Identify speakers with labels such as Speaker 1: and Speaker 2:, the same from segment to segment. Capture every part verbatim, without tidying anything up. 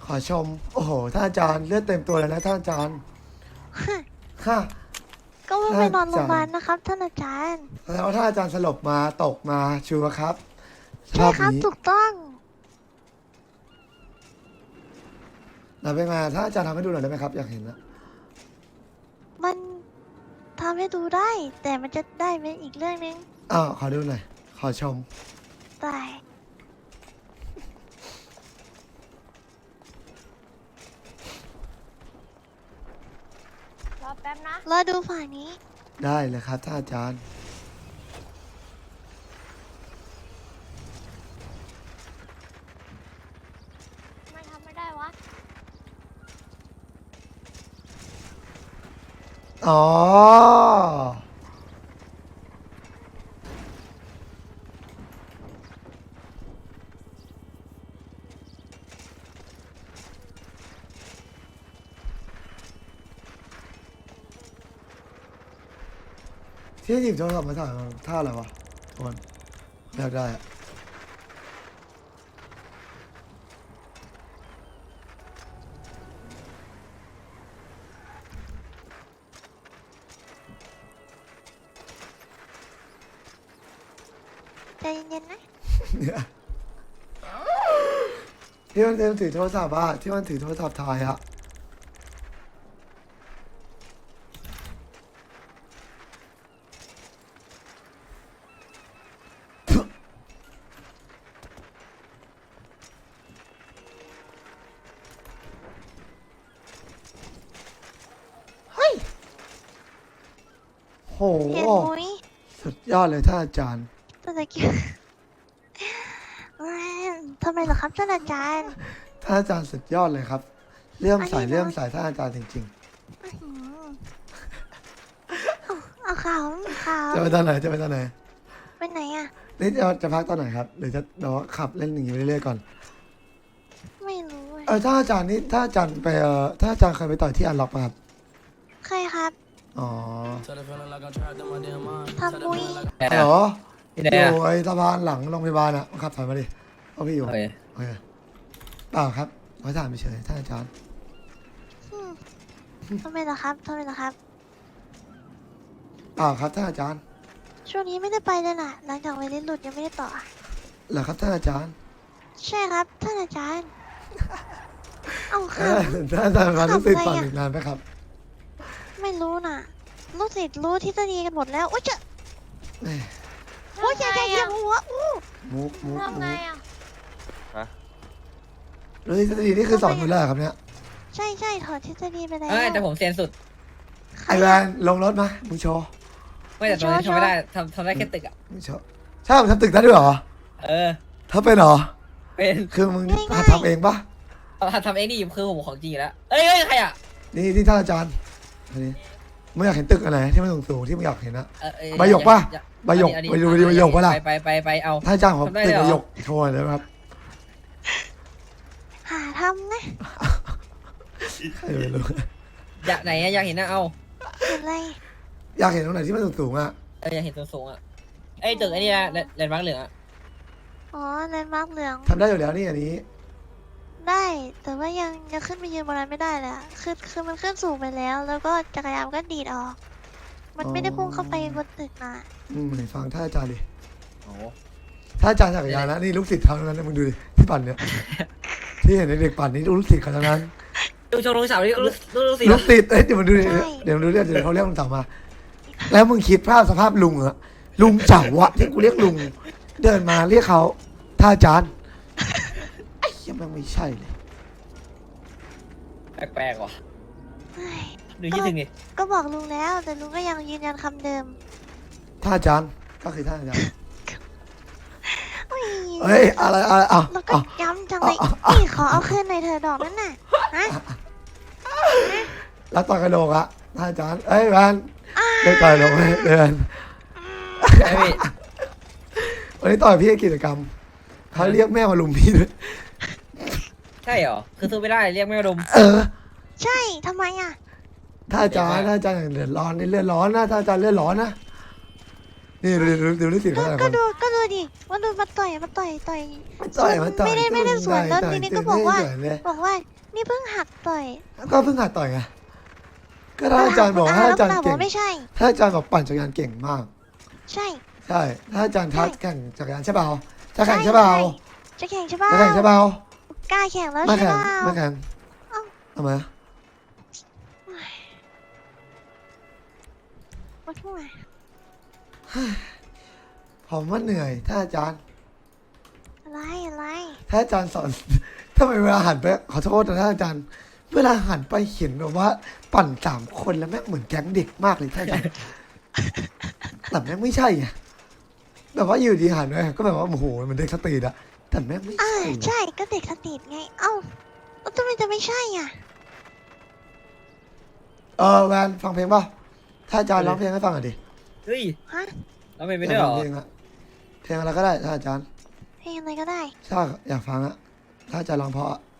Speaker 1: อชมโอ้โหท่านอาจารย์เลือดเต็มตัวเลยนะท่านอาจารย์ค่ะ
Speaker 2: ก็ว่าไปนอนโรงพยาบาลนะครับท่านอาจารย์
Speaker 1: แล้วท่านอาจารย์สลบมาตกมาชัวร์ครับร
Speaker 2: ใช่
Speaker 1: อบ
Speaker 2: ครับ
Speaker 1: นี้
Speaker 2: ถูกต้อง
Speaker 1: เราเป็นไงท่านอาจารย์ทำให้ดูหน่อยได้ไหมครับอยากเห็นนะ
Speaker 2: มันทำให้ดูได้ แต่มันจะได้เป็นอีกเรื่องนึง
Speaker 1: อ้าวขอดูหน่อยขอชม
Speaker 2: ได้
Speaker 3: รอแป๊บนะ
Speaker 2: รอดูฝั่งนี้
Speaker 1: ได้เลยครับท่านอาจารย์
Speaker 3: ไม่ทำไม่ได้วะ
Speaker 1: อ๋อที่หยิบโทรศัพท์มาถ่ายมันท่าอะไรวะทุกคนอยากได้อะ
Speaker 2: ใจเย็นๆนะ
Speaker 1: เนี่ยที่มันเต็มถือโทรศัพท์อะที่มันถือโทรศัพท์ถ่ายอะเฮ้ยโห
Speaker 2: เห็นมุ้ย
Speaker 1: สุดยอดเลยท่านอาจารย์
Speaker 2: ตะกี้ทำไมเหรอครับท่านอาจารย์
Speaker 1: ท่านอาจารย์สุดยอดเลยครับเลื่อมใส
Speaker 2: อันนี้นะ
Speaker 1: เลื่อมใสท่านอาจารย์จริง
Speaker 2: อื้อหือเอาเอาข่าวข่าว
Speaker 1: ๆ จะไปตอนไหนจะไปตอนไหน
Speaker 2: ไปไหนอ่ะ
Speaker 1: นี่จะจะพักตอนไหนครับหรือจะเดี๋ยวขับเล่นอย่างนี้ไปเรื่อยๆก่อน
Speaker 2: ไม่รู้อะ
Speaker 1: เออท่านอาจารย์นี่ท่านอาจารย์ไปเออท่านอาจารย์เคยไปต่อยที่อันล็อกป่ะครับ
Speaker 2: เคยครับ
Speaker 1: อ๋อ
Speaker 2: ทำมุ้ย
Speaker 1: เหรอ
Speaker 4: ที่ไหน
Speaker 1: อ
Speaker 4: อ่ะ
Speaker 1: ยู่ไอ้สะพานหลังโรงพยาบาลอ่ะขับถอยมาดิเอาพี่อยู่
Speaker 4: โอเค
Speaker 1: โอเคเปล่าครับขอถามไปเฉยท่านอาจารย์
Speaker 2: อืมทำไมเหรอครับทำไมเหรอครับ
Speaker 1: เปล่าครับท่านอาจารย์
Speaker 2: ช่วงนี้ไม่ได้ไปเลยน่ะ หลังจากไวรัสหลุดยังไม่ได้ต่ออะ
Speaker 1: เหรอครับท่านอาจารย์
Speaker 2: ใช่ครับท่านอาจารย์ เอา
Speaker 1: เอ
Speaker 2: ค่ะ
Speaker 1: อท่านอาจารย์มารู้สึก
Speaker 2: ขับ
Speaker 1: ต่อ
Speaker 2: ไงอะ
Speaker 1: อีกนานไหมครับ
Speaker 2: ไม่รู้น่ะ ลูกศิษย์รู้ทฤษฎีกันหมดแล้ว โอ๊ยเจะ
Speaker 1: แหม่
Speaker 2: โอ๊ยอย่าอย่าอย่าหัวอู้
Speaker 1: มุกมุก
Speaker 3: ทำไง
Speaker 1: มุก
Speaker 3: อ่ะ
Speaker 1: แล้วทฤษฎีนี่คือสอนอยู่แล้วเหรอครับเนี่ย
Speaker 2: ใช่ใช่ถอดทฤษฎีไปแล้ว
Speaker 4: เอ้ยแต่ผมเซียนสุด
Speaker 2: ใคร
Speaker 1: ไอแวนลงรถมามึงโชว์
Speaker 4: ไม่แต่ตรงนี้ทำไม่ได้ทำทำได้แค่ตึกอ่ะ
Speaker 1: มึงโชว์ใช่ผมทำตึกได้ด้วยเหรอ
Speaker 4: เออ
Speaker 1: ถ้าเป็นเหรอ
Speaker 4: เป็น
Speaker 1: คือมึงหัดทำเองปะ
Speaker 4: ทำเองนี่คือผมของจริงอยู่แล้วเอ้ยเอ้ยใครอ่ะ
Speaker 1: นี่ที่ท่านอาจารย์อันนี้มึงอยากเห็นตึกอันไหนที่มันสูงๆที่มึงอยากเห็นนะ
Speaker 4: เออเออ
Speaker 1: ใบหยกปะ
Speaker 4: อย่า
Speaker 1: ใบหยก
Speaker 4: อันนี้
Speaker 1: ไปดูดิใบหยกปะล่ะ
Speaker 4: ไปไปไปไปเอา
Speaker 1: ท่านอาจารย์ขอ
Speaker 4: ทำได้
Speaker 1: ตึก
Speaker 4: เลย
Speaker 1: ใบ
Speaker 4: เหรอ
Speaker 1: หยกโชว์หน่อยได้ไหมครับ
Speaker 2: หาทำนะ
Speaker 1: ใครไม่รู้
Speaker 4: อยากไหนอะอยากเห็นนะเอา
Speaker 2: เห็นอะไร
Speaker 1: อยากเห็นตรงไหนที่มันสูงๆอ่ะ
Speaker 4: เอออยากเห็นตัวสูงอ่ะไอ้ยตึกไอ้นี่นะแลนด์มาร์คเหลืองอ่ะ
Speaker 2: อ๋อแลนด์มาร์คเหลือง
Speaker 1: ทำได้อยู่แล้วนี่อันนี้
Speaker 2: ได้ แต่ว่ายังยังขึ้นไปยืนบนนั้นไม่ได้เลยอะคือคือมันขึ้นสูงไปแล้ว แล้วก็จักรยานก็ดีดออก มันไม่ได้พุ่งเข้าไปบนตึกนะ
Speaker 1: อืมไหนฟังท่านอาจารย์ดิ
Speaker 4: โอ้
Speaker 1: ท่านอาจารย์จักรยานนะนี่ลูกศิษย์เขาทั้งนั้นนะมึงดูดิที่ปั่นเนี่ย ที่เห็นเด็กปั่นนี่ลูกศิษย์เขาทั้งนั้น
Speaker 4: ดูชมรมสาวนี่รู้รู้รู้สิ
Speaker 1: ลูกศิษย์เอ้ยเดี๋ยวมึงดูดิเดี๋ยวมึงดูดิเดี๋ยวเขาเรียกลุงเต่ามา แล้วมึงคิดภาพสภาพลุงเหรอลุงเจ๋าวะที่กูเรียกลุง เดินมาเรียกเขาท่านอาจารย์ไอ้เหี้ยังมันไม่ใช่เลย
Speaker 4: แปลกๆว่ะ
Speaker 2: เฮ้ย
Speaker 4: ดูยี่สิบนี่
Speaker 2: ก็บอกลุงแล้ว แต่ลุงก็ยังยืนยันคำเดิม
Speaker 1: ท่านอาจารย์ก็คือท่านอาจารย์
Speaker 2: เฮ้ย
Speaker 1: เฮ้ยอะไรอะไรอ่ะ
Speaker 2: แล้วก็
Speaker 1: อ่ะ
Speaker 2: ย้ำจังเลย
Speaker 1: อ่ะอ่ะ
Speaker 2: นี่ขอเอาคืนในอยเธอะดอกนั่นน่ะฮะ
Speaker 1: แล้วต่อยกระโดกอะท่านอาจารย์เอ้ยแวนเดินต่อยลงเลยเดิน
Speaker 4: ไอ้พี่
Speaker 1: วันนี้ต่อยพี่กิจกรรมเขาเรียกแม่มาลุมพี่ด้วย
Speaker 4: ใช่เหรอคือซื้อไม่ได้เรียกไม่มาดม
Speaker 1: เออ
Speaker 2: ใช่ทำไมอ่ะ
Speaker 1: ท่านอาจารย์ท่านอาจารย์เดือดร้อนนี่เลือดร้อนนะท่านอาจารย์เลือดร้อนนะนี่ดูดูดูดูสิเขาแต่ละค
Speaker 2: ก็
Speaker 1: น
Speaker 2: ดูก็ดูดิว่าดูมาต่อยมาต่อยต่อย
Speaker 1: ต่อยมาต่อย
Speaker 2: ไม่ได้ไม่ได้สวนแล้ว
Speaker 1: ต่อย
Speaker 2: ทีนี้
Speaker 1: ต่
Speaker 2: ก็
Speaker 1: ย
Speaker 2: บอกว่า
Speaker 1: ต่ยเลย
Speaker 2: บอกว่านี่เพิ่งหัดต่อย
Speaker 1: ก็เพิ่งหัดต่อยไงก็ถ้าอาจารย์บอก
Speaker 2: แล้ว
Speaker 1: ถ้าอาจารย์
Speaker 2: แล้ว
Speaker 1: เก่ง
Speaker 2: บอกไม่ใช่
Speaker 1: ถ้าอาจารย์บอกปั่นจักรยานเก่งมาก
Speaker 2: ใช่
Speaker 1: ใช่ ถ้าอาจารย์ทัด
Speaker 2: ใช่
Speaker 1: แข่งจักรยานใช่เปล่าจะแข่งใช่เปล่า
Speaker 2: จะแข่งใช่ป่ะ
Speaker 1: จะแข่งใช่เปล่าก
Speaker 2: ล้าแข่งแล้ว
Speaker 1: ไม่
Speaker 2: ใช่
Speaker 1: แข่ง
Speaker 2: ป่ะ
Speaker 1: ไม่แข่ง
Speaker 2: เอ้า
Speaker 1: ทำไม
Speaker 2: มาทั่ว
Speaker 1: ผมว่าเหนื่อย ถ้าอาจารย์
Speaker 2: อะไรอะไร
Speaker 1: ถ้าอาจารย์สอน ทำไมเวลาหันไปขอโทษนะท่านอาจารย์ เวลาหันไปเห็นแบบว่า ปั่นสามคนแล้วแม่งเหมือนแก๊งเด็กมากเลยท่านอาจารย์ แต่แม่งไม่ใช่ไงแบบว่าอยู่ดีหันไปก็แบบว่าโอ้โหมันเด็กสตรีทอะแต่แม่งไม่
Speaker 2: อ่า
Speaker 1: ใช่
Speaker 2: ใช่ก็เด็กสตรีทไง เอ้าแล้วทำไมจะไม่ใช่อ่ะ
Speaker 1: เออแวนฟังเพลงเปล่าถ้าอาจารย์ร้องเพลงให้ฟังหน่อยดิ
Speaker 4: เฮ้ย
Speaker 2: ฮะ
Speaker 4: เราไม่
Speaker 1: อ
Speaker 4: ไม่
Speaker 1: ยาก
Speaker 4: ได้หร
Speaker 1: ฟั
Speaker 4: อง
Speaker 1: เพลงอะเพลงอะไรก็ได้ถ้าอาจารย์
Speaker 2: เพลงอะไรก็ได้
Speaker 1: ถ้าอยากฟังอะถ้าอาจารย์ร้องเพราะอะ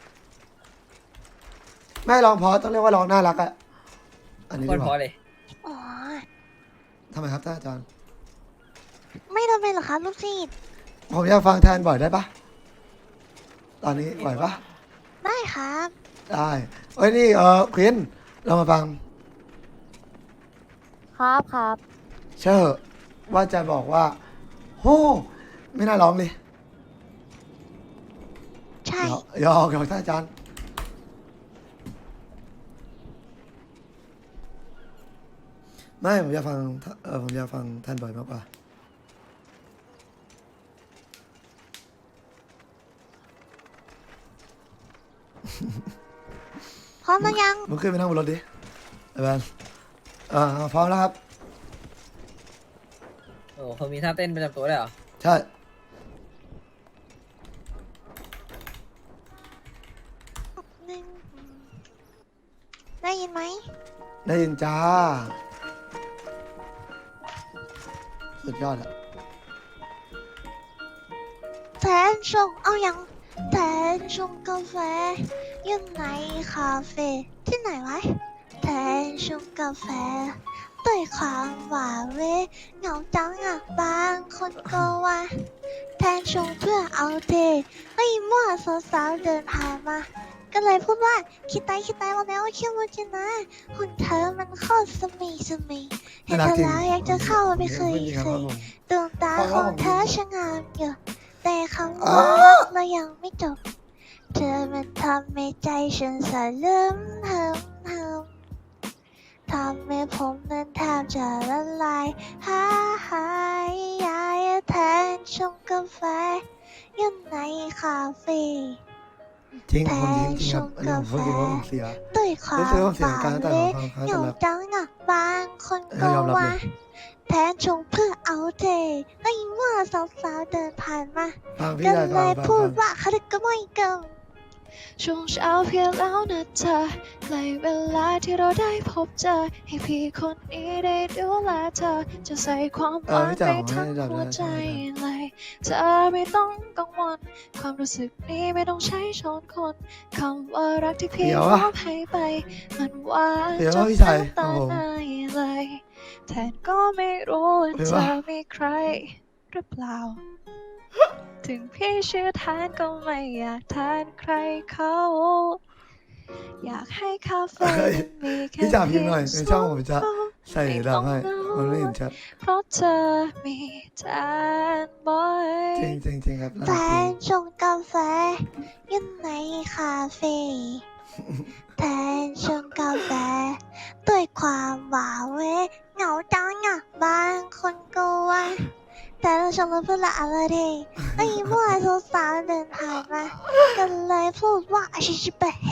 Speaker 1: ไม่ร้องเพราะต้องเรียกว่าร้องน่ารักอะอันนี้
Speaker 4: ค
Speaker 1: ดี
Speaker 4: น
Speaker 1: ก
Speaker 4: พอ
Speaker 1: ว่า
Speaker 4: เลย
Speaker 2: อ๋อ
Speaker 1: ทำไมครับท่านอาจารย์
Speaker 2: ไม่ทำไมเหรอครับลูกศิษย์
Speaker 1: ผมอยากฟังแทนบ่อยได้ปะตอนนี้ไหวปะ
Speaker 2: ได้ครับ
Speaker 1: ได้เอ้ยนี่เออควินเรามาฟัง
Speaker 3: ครับครับ
Speaker 1: เชื่อว่าจะบอกว่าโหไม่น่าร้องเลย
Speaker 2: ใช่
Speaker 1: หยอกหยอกหยอกท่านอาจารย์ไม่ผมอยากฟังเออผมอยากฟังท่านบ่อยมากกว่า
Speaker 2: พร้อมหรือยัง
Speaker 1: มึงขึ้นไปนั่งบนรถดิไอ้แบนอ่าพร้อมแล้วครับ
Speaker 4: โอ้เขามีท่าเต้นประจำตัวด้วยเหรอ
Speaker 1: ใช่
Speaker 2: หนึ่งได้ยินไหม
Speaker 1: ได้ยินจ้า สุดยอดอะ
Speaker 2: แทนชงเอายังแทนชงกาแฟอยู่ในคาเฟ่ที่ไหนวะแทนชงกาแฟด้วยความหวานเวเหงาจังอ่ะบางคนก็ว่าแทนชงเพื่อเอาเทไม่มั่วสาวๆเดินผ่านมา ก็เลยพูดว่าคิดตายคิดตายมาแล้วคิดว่าจะนะหุ่นเธอมันโคตรสมีสมีเห็นเธอแล้วอยากจะเข้าไปเคยเคยดวงตาของเธอช่างงามอยู่แต่คำว่ารักเรายังไม่จบ เธอมันทำให้ใจฉันสั่นเริ่มเหิมเหิมทำให้ผมนั้นแทบจะละลายหาหายยายแทนชงกาแฟอยู่ในคาเฟ่
Speaker 1: จริงผมจริงจริงครับอันนี้ผมพูดจริงว่าผมเสีย
Speaker 2: ด้วยความ
Speaker 1: รู้สึกว่าเสีย
Speaker 2: ฝั
Speaker 1: การ
Speaker 2: น
Speaker 1: ตั้งแต่
Speaker 2: เล็ก
Speaker 1: ของเขา
Speaker 2: เห
Speaker 1: แต่
Speaker 2: งา
Speaker 1: ละ
Speaker 2: จังอ่ะบางคน
Speaker 1: เอ
Speaker 2: ก็
Speaker 1: อยอมรับ
Speaker 2: ว่า
Speaker 1: เลย
Speaker 2: แทนชงเพื่อเอาเทให้เมื่อสาวๆเดินผ่านมา
Speaker 1: ฟังพี่
Speaker 2: ก็
Speaker 1: ได้
Speaker 2: เล
Speaker 1: ฟัง
Speaker 2: ย
Speaker 1: ฟัง
Speaker 2: พูด
Speaker 1: ฟัง
Speaker 2: ว่าเขาดึกก็ไม่เกินช่วงเช้าเพียงแล้วนะเธอในเวลาที่เราได้พบเจอ ให้พี่คนนี้ได้ดูแลเธอ จะใส่ความห
Speaker 1: เออ
Speaker 2: วัง
Speaker 1: ไม่จ่า
Speaker 2: ไป
Speaker 1: ผม
Speaker 2: ทั้ง
Speaker 1: ให้ดับ
Speaker 2: หัว
Speaker 1: นะ
Speaker 2: ใจ
Speaker 1: ใช่
Speaker 2: เลย เธอไม่ต้องกังวล ความรู้สึกนี้ไม่ต้องใช้ช้อนคนคำว่ารักที่พี่
Speaker 1: เดี๋ยว
Speaker 2: ม
Speaker 1: อะ
Speaker 2: อบให้ไป มันหวาน
Speaker 1: เดี๋ยว
Speaker 2: จ
Speaker 1: อะ
Speaker 2: น
Speaker 1: พี่ชาย
Speaker 2: น้ำตา
Speaker 1: ของผม
Speaker 2: ไหลเลยแทนก็ไม่รู้ว่า
Speaker 1: เดี๋ยว
Speaker 2: เธ
Speaker 1: อะ
Speaker 2: อมีใครหรือเปล่า ถึงพี่ชื่อทานก็ไม่อยากทานใครเขา อยากให้คาเฟ่
Speaker 1: เฮ้ย
Speaker 2: มันมีแค่
Speaker 1: พี่จ่าพิมพ์หน่อย
Speaker 2: เพี
Speaker 1: ใน
Speaker 2: ยง
Speaker 1: ช่อง
Speaker 2: ส
Speaker 1: ผมจะ
Speaker 2: เรา
Speaker 1: ใส่ดำให้มันไม่เห็นชัด
Speaker 2: เพราะเธอมีแทนบ่อย
Speaker 1: จริงจริงจริงครับ
Speaker 2: แท
Speaker 1: น่ารักจริ
Speaker 2: น
Speaker 1: ง
Speaker 2: ชงกาแฟอยู่ในคาเฟ่แทนชงกาแฟด้วยความหวานเวเหงาจังอ่ะบางคนก็ว่าแต่เราชมเพื่อนละอะไรเดไอ้มั่วสาวๆเดินผ่านมาก็เลยพูดว่าชิชิบะเฮ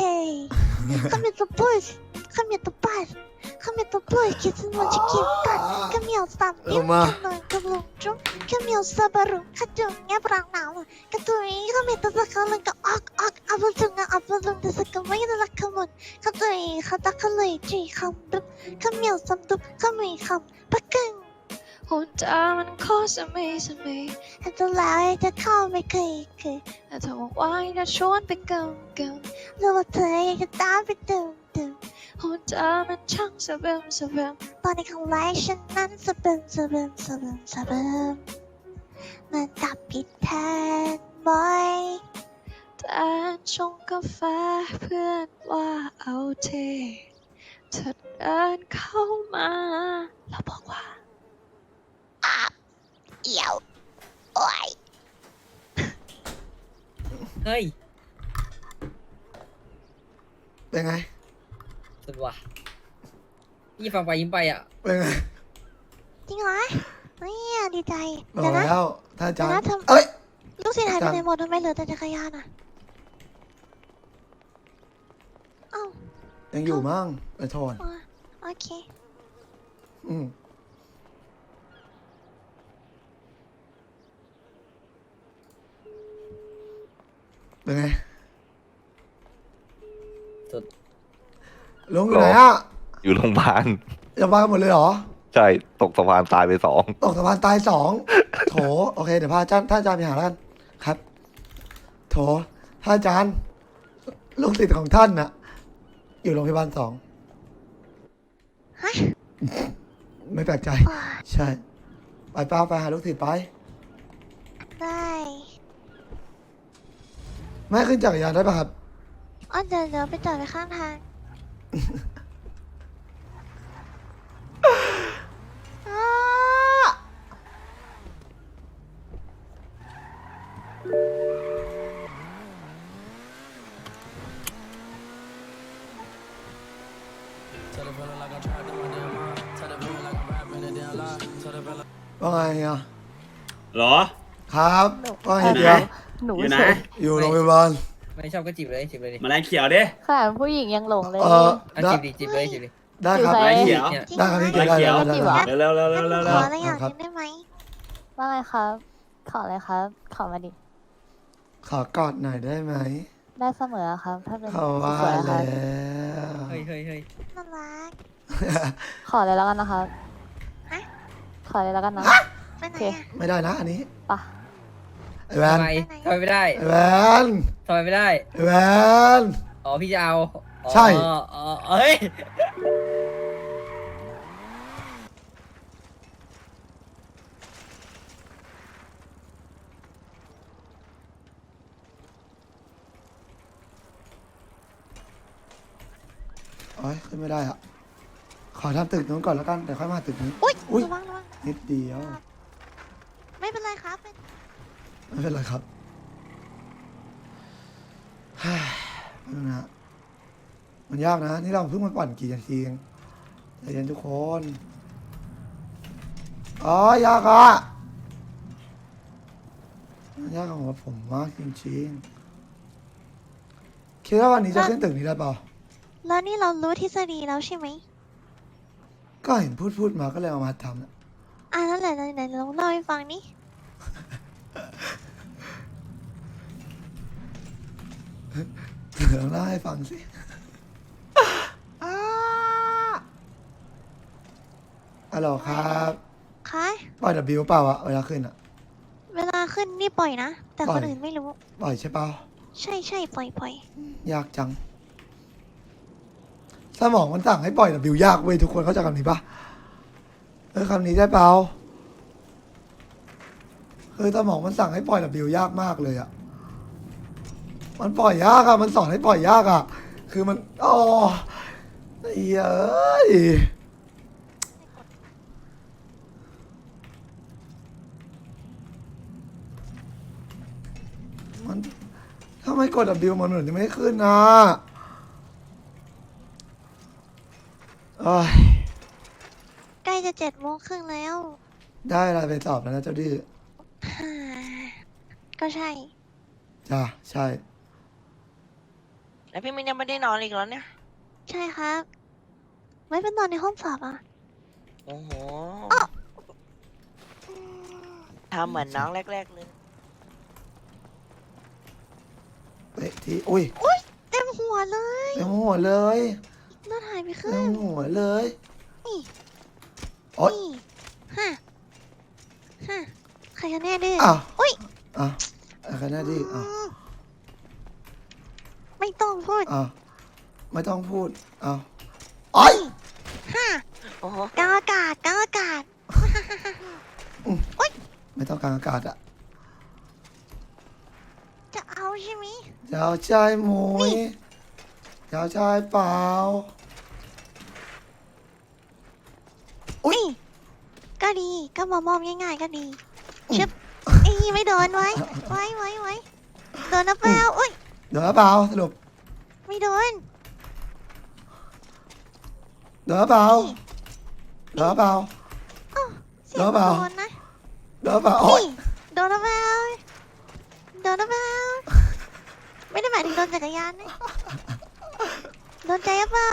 Speaker 2: Come here, the boys. Come here, the boys. Come here, the boys. Kissing what you keep got. Come here, stop. You can come along, Joe. Come here, Sabaru. Kadung, ya perang now. Kadung, come here, the color go ok ok. Apple tung, apple tung, the second way the come on. Kadung, kata kalai, ji, come dup. Come here, some dup. Come here, come. Pakang. หุ่นเธอมันโคตรสมัยสมัยแต่ตัวลายจะเข้าไม่เคยเคยแต่เธอบอกว่าจะชวนไปกำกำหรือว่าเธออยากจะตามไปดื่มดื่มหพูดจามันช่างสะเบิมสะเบิมตอนในครั้งแรกฉันนั้นสะเบิมสะเบิมสะเบิมสะเบิมมันจับผิดแทนบ่อยแต่ชงกาแฟเพื่อนว่าเอาเทเธอเดินเข้ามาแล้วบอกว่าอาบเอี่ยวโอ้ย
Speaker 4: เฮ้ย
Speaker 1: เป็นไง
Speaker 4: สุดว่ะพี่ฟังไปยิ้มไปอ่ะ
Speaker 1: เป็นไง
Speaker 2: จริงเหรอเนี่ยดีใจ
Speaker 1: บอ
Speaker 2: เดี๋ย
Speaker 1: ก
Speaker 2: วนะ
Speaker 1: แล้วถ้าอาจาร
Speaker 2: เดี๋ยว
Speaker 1: ย์
Speaker 2: นะทำ
Speaker 1: เอ้ย
Speaker 2: ลูกศิษย์หายไป
Speaker 1: อาจารย์
Speaker 2: ไหนหมดทำไมเหลือแต่จักรยานอ่ะเอ้า
Speaker 1: ยังอยู่มั้งไอ้โทน
Speaker 2: อ๋อโอเค
Speaker 1: อืมเป็นไง
Speaker 4: สุด
Speaker 1: ลุงอยู่ไหนอ่ะ
Speaker 5: อยู่โรงพยาบาล
Speaker 1: จะมากันหมดเลยเหรอ
Speaker 5: ใช่ ตกสะพานตายไปสอง
Speaker 1: ตกสะพานตายสองโถโอเคเดี๋ยวพาอาจารย์ท่านอาจารย์ไปหาแล้วกันครับ โถท่านอาจารย์ลูกศิษย์ของท่านน่ะ อยู่โรงพยาบาลสอง
Speaker 2: ฮะ
Speaker 1: ไม่แปลกใจ
Speaker 2: ว้า
Speaker 1: ใช่ ไปป้าไปหาลูกศิษย์ไป
Speaker 2: ได้
Speaker 1: แม่ขึ้นจักรยานได้ปะครับ
Speaker 2: อ๋อเดี๋ยวเดี๋ยวไปจอดไว้ข้างทางอ้า
Speaker 1: ว่าไงอ่ะ
Speaker 6: เหรอ
Speaker 1: ครับว่าไง
Speaker 6: อยู่
Speaker 1: เดี
Speaker 6: ไหน
Speaker 1: ยว
Speaker 7: หนู
Speaker 6: อยู่ไหน
Speaker 7: เฉย
Speaker 1: อยู่โรงพยาบาล
Speaker 4: ไม่ชอบก็จีบเลยจีบเลยดิ
Speaker 6: แมลงเขียวดิ
Speaker 7: ค่ะผู้หญิงยังหลงเลย
Speaker 1: เออ
Speaker 4: อ่ะ
Speaker 1: ได้
Speaker 4: จีบดิจีบเลยจีบเลย
Speaker 1: ได้ครับ
Speaker 7: อยู่
Speaker 6: แม
Speaker 7: ไหน
Speaker 6: ลงเขียว
Speaker 4: เนี่ย
Speaker 2: จริง
Speaker 1: ได้ครับ
Speaker 2: ไหม
Speaker 1: พี่เกียรติได้ได้ได้
Speaker 7: จีบเหร
Speaker 1: ได้
Speaker 7: อ
Speaker 6: เร็วเร็วเร็ว
Speaker 2: งั้น
Speaker 6: เร็ว
Speaker 2: หนู
Speaker 6: เร็
Speaker 2: ข
Speaker 6: ว
Speaker 2: ออะไรอย่าง
Speaker 1: ครับ
Speaker 2: หนึงได้ไหม
Speaker 7: ว่าไงครับ ขออะไรครับ ขอมาดิ
Speaker 1: ขอกอดหน่อยได้ไหม
Speaker 7: ได้เสมอครับ ถ้าเป็น
Speaker 1: เขาว่า
Speaker 7: สวยๆค
Speaker 1: แล้
Speaker 7: รับ
Speaker 1: ว
Speaker 4: เฮ้ยเฮ้ยเฮ้ย
Speaker 2: น่ารัก
Speaker 7: ขอเลยแล้วกันนะครับ
Speaker 2: ฮะ
Speaker 7: ขอเลยแล้วกันนะ
Speaker 2: ไปไหน
Speaker 7: โอเค
Speaker 2: อ่ะ
Speaker 1: ไม่ได้นะอันนี้
Speaker 7: ปะ
Speaker 1: ไอ้แวน
Speaker 4: ทำไมทำไมไม่ได้
Speaker 1: ไอ้แวน
Speaker 4: ทำไมไม่ได้
Speaker 1: ไอ้แวน
Speaker 4: อ๋อพี่จะเอาอ๋อ
Speaker 1: ใช่
Speaker 4: อ๋อเฮ้ย
Speaker 1: โอ้ยขึ้นไม่ได้อ่ะ ขอทำตึกนู้นก่อนแล้วกันเดี๋ยวค่อยมาตึกนี้
Speaker 2: อุ้ย
Speaker 1: อุ๊ย
Speaker 2: ระวังระวัง
Speaker 1: นิดเดียว
Speaker 2: ไม่เป็นไรครับเป็น
Speaker 1: ไม่เป็นไรครับ ฮ่าไม่เป็นไรนะมันยากนะ นี่เราเพิ่งมาปั่นกี่นาทีเองใจเย็นทุกคน อ๋อยากอ่ะมันยากของผมมากจริงๆ คิดว่าวันนี้จะขึ้นตึกนี้ได้เปล่า
Speaker 2: แล้วนี่เรารู้ทฤษฎีแล้วใช่ไหม
Speaker 1: ก็เห็นพูดพูดมาก็เลยเอามาทำนะ
Speaker 2: อ่ะนั่นแหละไหนๆลองเล่าให้ฟังนี่
Speaker 1: เดี๋ยวเล่าให้ฟังสิอ้าฮัลโหลครับ
Speaker 2: คะ
Speaker 1: ปล่อยดับบิวเปล่าอะเวลาขึ้นอะ
Speaker 2: เวลาขึ้นนี่ปล่อยนะ แต่
Speaker 1: ปล่
Speaker 2: ค
Speaker 1: อย
Speaker 2: นอื่นไม่รู้
Speaker 1: ปล่อยใช่เปล่า
Speaker 2: ใช่ใช่ปล่อยปล่อย
Speaker 1: ยากจัง สมองมันสั่งให้ปล่อยดับบิวยากเว้ยทุกคนเข้าใจคำนี้ปะเออคำนี้ได้เปล่าคือสมองมันสั่งให้ปล่อยดับบิวยากมากเลยอะมันปล่อยยากอะมันสอนให้ปล่อยยากอะคือมันอ๋อไอ้เอ้ยมันถ้าไม่กดดับบิวมันเหมือนจะไม่ขึ้นนะโอ้ย
Speaker 2: ใกล้จะเจ็ดโมงครึ่งแล้ว
Speaker 1: ได้อะไรไปสอบแล้วนะเจ้าดื้อ
Speaker 2: ฮ่าก็ใช่
Speaker 1: จ้าใช่
Speaker 8: แล้วพี่มินยังไม่ได้นอนอีกแล้วเนี่ย
Speaker 2: ใช่ครับ ไม่เป็นนอนในห้องสอบอ่ะ
Speaker 8: โอ้โหทำเหมือนน้องแรก ๆ เลย
Speaker 1: เตะทีอุ้ย
Speaker 2: เต็มหัวเลย
Speaker 1: เต็มหัวเลย
Speaker 2: เลือดหายไปครึ่
Speaker 1: เต็
Speaker 2: ง
Speaker 1: มหัวเลย
Speaker 2: นี่
Speaker 1: โอ๊ย
Speaker 2: นี่ฮะฮะใครกันแน่ดื้อ
Speaker 1: อ้าว
Speaker 2: อุ้ย
Speaker 1: อ้าวอะไรน่าดีอ้าว
Speaker 2: ไม่ต้องพูด
Speaker 1: อ้าวไม่ต้องพูดอ้าวโอ้ย
Speaker 2: ฮ่า
Speaker 8: โอ้โห
Speaker 2: กลางอากาศกลางอากาศ
Speaker 1: ไม่ต้องกลางอากาศอะ
Speaker 2: จะเอาใช่ไหม
Speaker 1: จะเอาใจหมุยจะเอาใจเปล่า อุ๊ย
Speaker 2: นี่ก็ดีก็มามอมง่ายๆก็ดีชึบอีไม่โดนไว้ ไว้ไว้ไว้โดนนะเปล่าอุ้ย
Speaker 1: เดี๋ยวเปล่าสรุป
Speaker 2: ไม่โดน
Speaker 1: เดี๋ยวเปล่าเดี๋ยวเปล่า
Speaker 2: เสียง
Speaker 1: โดนเปล่า
Speaker 2: โดนนะ
Speaker 1: เดี๋ยวเปล่าโอ๊ย
Speaker 2: นี่โดนนะเปล่าโดนนะเปล่าไม่ได้หมายถึงโดนจักรยานนะโดนใจหรือเปล่า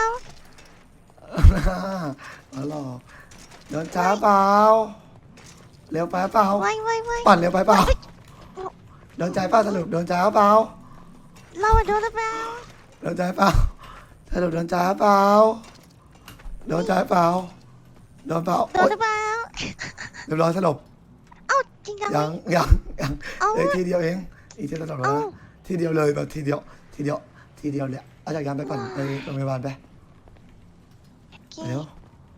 Speaker 1: มาหลอกเดินช้าเปล่าเร็วไปเปล่า
Speaker 2: ไว้ไว้ไว้
Speaker 1: ปั่นเร็วไปเปล่าเดินใจเปล่าสรุปเดินช้าเปล่า
Speaker 2: เราอะโดนนะเปล่า
Speaker 1: เดินใจเปล่าสรุปเดินช้าเปล่าเดินใจเปล่าเดินเปล่า
Speaker 2: โด
Speaker 1: โอ๊
Speaker 2: น
Speaker 1: ย
Speaker 2: นะเปล่า
Speaker 1: เรียบร้อยสรุป
Speaker 2: เอ้าจริงจังไหม
Speaker 1: ยังยังยัง
Speaker 2: เอ้า
Speaker 1: เอ้ยทีเดียวเองอีกทีละสองร้อย
Speaker 2: เอ้า
Speaker 1: นะทีเดียวเลยแบบทีเดียวทีเดียวทีเดียวเลยเอาจากยานไปก่อนไปโรงพยาบาลไป
Speaker 2: โอเค
Speaker 1: เร็ว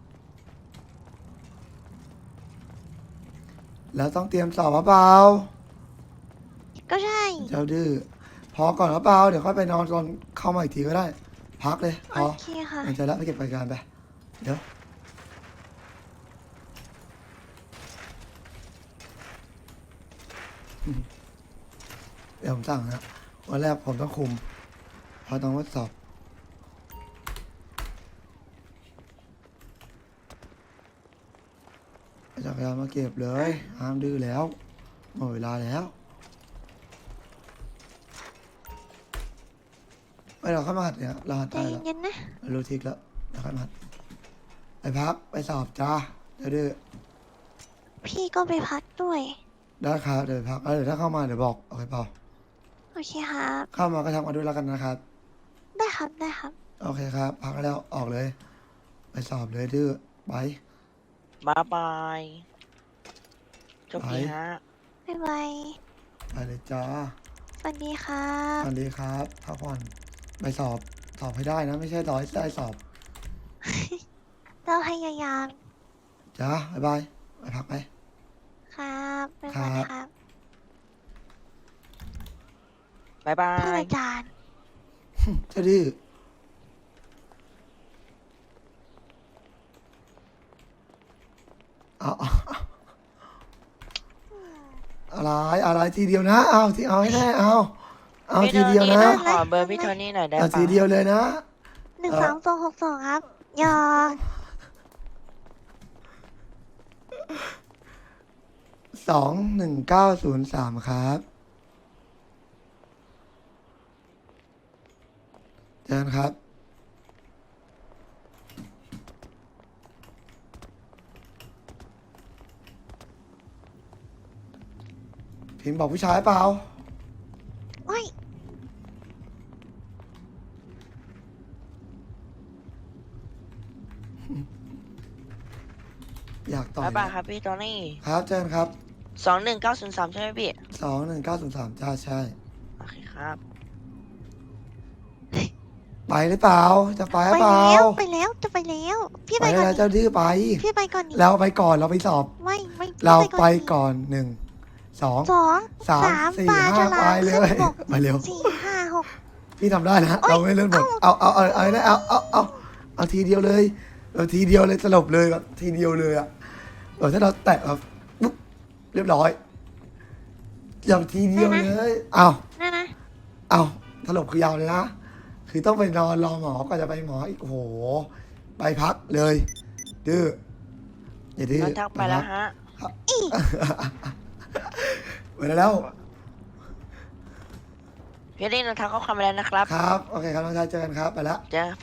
Speaker 1: แล้วต้องเตรียมสอบหรือเปล่า
Speaker 2: ก็ใช่
Speaker 1: เจ้าดื้อพอก่อนหรือเปล่าเดี๋ยวค่อยไปนอนตอนเข้ามาอีกทีก็ได้ พักเลยพ
Speaker 2: โอ
Speaker 1: อ
Speaker 2: เคค่ะ
Speaker 1: หายใจแล้วไปเก็บรายการไปเดี๋ยวเดี๋ยวผมสั่งนะวันแรกผมต้องคุมเพราะต้องทดสอบเอาจักรยานมาเก็บเลยห้ามดื้อแล้วหมดเวลาแล้วไม่เราเข้ามาหัดเนี่ยเราหัด
Speaker 2: ใจ
Speaker 1: ได้แล้ว
Speaker 2: เย็นๆนะ
Speaker 1: เรารู้ทิกแล้วเราค่อยมาหัดไปพักไปสอบจ้าเดี๋ยวดื้อ
Speaker 2: พี่ก็ไปพักด้วย
Speaker 1: ได้ครับเดี๋ยวไปพักแล้วเดี๋ยวถ้าเข้ามาเดี๋ยวบอกโอเคเปล่า
Speaker 2: โอเคครับ
Speaker 1: เข้ามาก็ทำกันด้วยแล้วกันนะครับ
Speaker 2: ได้ครับได้ครับ
Speaker 1: โอเคครับ พักแล้วออกเลย ไปสอบเลยดื้อไป
Speaker 8: บายบายโชคดีฮะ
Speaker 2: บ๊ายบาย
Speaker 1: ไปเลยจ้า
Speaker 2: สวัสดีครั
Speaker 1: ส
Speaker 2: บ
Speaker 1: วัสดีครับพักผ่อนไปสอบสอบให้ได้นะ ไม่ใช่ต่อให้ได้สอบ
Speaker 2: เราพยายาม
Speaker 1: จ้าบ๊ายบายไปพักไป
Speaker 2: ครับบ๊ายบาย
Speaker 1: ครับ
Speaker 2: ครับ
Speaker 8: บายบา
Speaker 2: ท่าน
Speaker 8: ย
Speaker 2: อาจารย์
Speaker 1: เจ้าดื้อเอาเอาเอาอะไรอะไรทีเดียวนะ เอาที่เอาให้แน่เอาเอา
Speaker 8: พี่
Speaker 1: ทีเดียว
Speaker 8: โท
Speaker 1: นะ
Speaker 8: ขอเบอร์พี่โทนี่หน่อยได้
Speaker 1: เอา
Speaker 8: ปะ
Speaker 1: ทีเดียวเลยนะ
Speaker 2: หนึ่ง
Speaker 1: เอ่อ
Speaker 2: สามสองหกสองครับยอ
Speaker 1: สองหนึ่งเก้าศูนย์สามครับเจอกันครับ พิมพ์บอกผู้ชายเปล่า
Speaker 2: โอ้ย
Speaker 1: อยากต่อย
Speaker 8: บายบายครับพี่โทนี่
Speaker 1: ครับเจอกันครับ
Speaker 8: สองหนึ่งเก้าศูนย์สามใช่ไหมพี่
Speaker 1: สองหนึ่งเก้าศูนย์สามจ้าใช่
Speaker 8: โอเคครับ
Speaker 1: ไปหรือเปล่า จะไปห
Speaker 2: ไป
Speaker 1: รือเปล่า
Speaker 2: แล้วไปแล้วจะไปแล้ว พี่
Speaker 1: ไป
Speaker 2: ไปก่อน
Speaker 1: แล้ว
Speaker 2: ดิ
Speaker 1: เจ้าดื้อไป
Speaker 2: พี่ไปก่อนดิ
Speaker 1: เราไปก่อนเราไปสอบ
Speaker 2: ไม่ไม่พี่
Speaker 1: เราไป
Speaker 2: ดิ
Speaker 1: ก่อนหนึ่งสอง
Speaker 2: สอง
Speaker 1: สามสี่
Speaker 2: ปลา
Speaker 1: ห้า
Speaker 2: ฉลาม
Speaker 1: ไปเลย
Speaker 2: ขึ้นบก
Speaker 1: ไปเร็ว
Speaker 2: สี่ห้าหก
Speaker 1: พี่ทำได้นะ
Speaker 2: โอ๊ย
Speaker 1: เราไม่เล่นบทเอาเอาเอาเอาเอาเอาเอาเอาเอาทีเดียวเลยเราทีเดียวเลยสลบเลยแบบทีเดียวเลยอะแบบถ้าเราแตะแบบปุ๊บเรียบร้อยอย่างทีเดียวเลยเอา
Speaker 2: นั่นนะ
Speaker 1: เอาสลบคือยาวเลยนะคือต้องไปนอนรอหมอก็จะไปหมออีกโอ้โหไปพักเลยดื้ออย่าดื้อ
Speaker 8: น้องทักไปแล้วฮะ
Speaker 1: ไปแล้ว
Speaker 8: พี่โทนี่น้องทักข้อความไปแล้วนะครับ
Speaker 1: ครับโอเคครับน้องชายเจอกันครับไปแล้ว
Speaker 8: เจอ